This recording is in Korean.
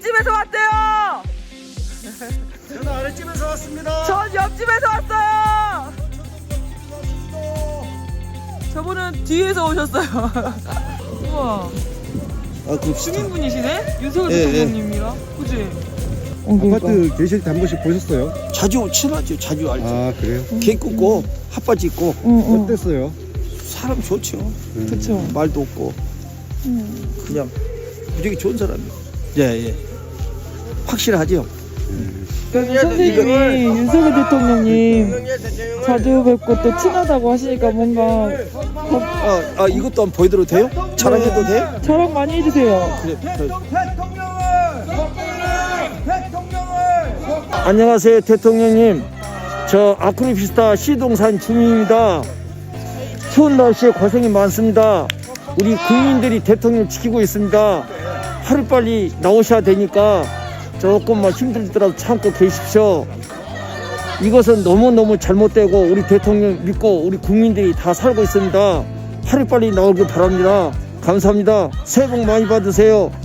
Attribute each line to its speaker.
Speaker 1: 옆집에서 왔대요.
Speaker 2: 저는 아랫집에서 왔습니다.
Speaker 1: 전 옆집에서 왔어요. 저분은 뒤에서 오셨어요. 우와.
Speaker 2: 아, 그
Speaker 1: 시민분이시네? 윤석열
Speaker 2: 예,
Speaker 1: 대통령님이랑. 그지?
Speaker 2: 아파트 계실 때 한 번씩 보셨어요?
Speaker 3: 자주 친하죠. 자주 알죠.
Speaker 2: 아, 그래요?
Speaker 3: 개 굽고 핫바지 입고
Speaker 2: 어땠어요?
Speaker 3: 사람 좋죠.
Speaker 1: 그쵸.
Speaker 3: 말도 없고 그냥 무지하게 좋은 사람이에요. 예. 확실하죠.
Speaker 1: 선생님이 윤석열 대통령님 자주 뵙고 또 친하다고 하시니까 뭔가
Speaker 3: 이것도 한번 보여드려도 돼요? 자랑해도 돼?
Speaker 1: 자랑 많이 해주세요.
Speaker 3: 그래. 안녕하세요, 대통령님. 저 아크로피스타 시동산 주민입니다. 추운 날씨에 고생이 많습니다. 우리 국민들이 대통령 지키고 있습니다. 하루빨리 나오셔야 되니까 조금만 힘들더라도 참고 계십시오. 이것은 너무너무 잘못되고 우리 대통령 믿고 우리 국민들이 다 살고 있습니다. 하루빨리 나오길 바랍니다. 감사합니다. 새해 복 많이 받으세요.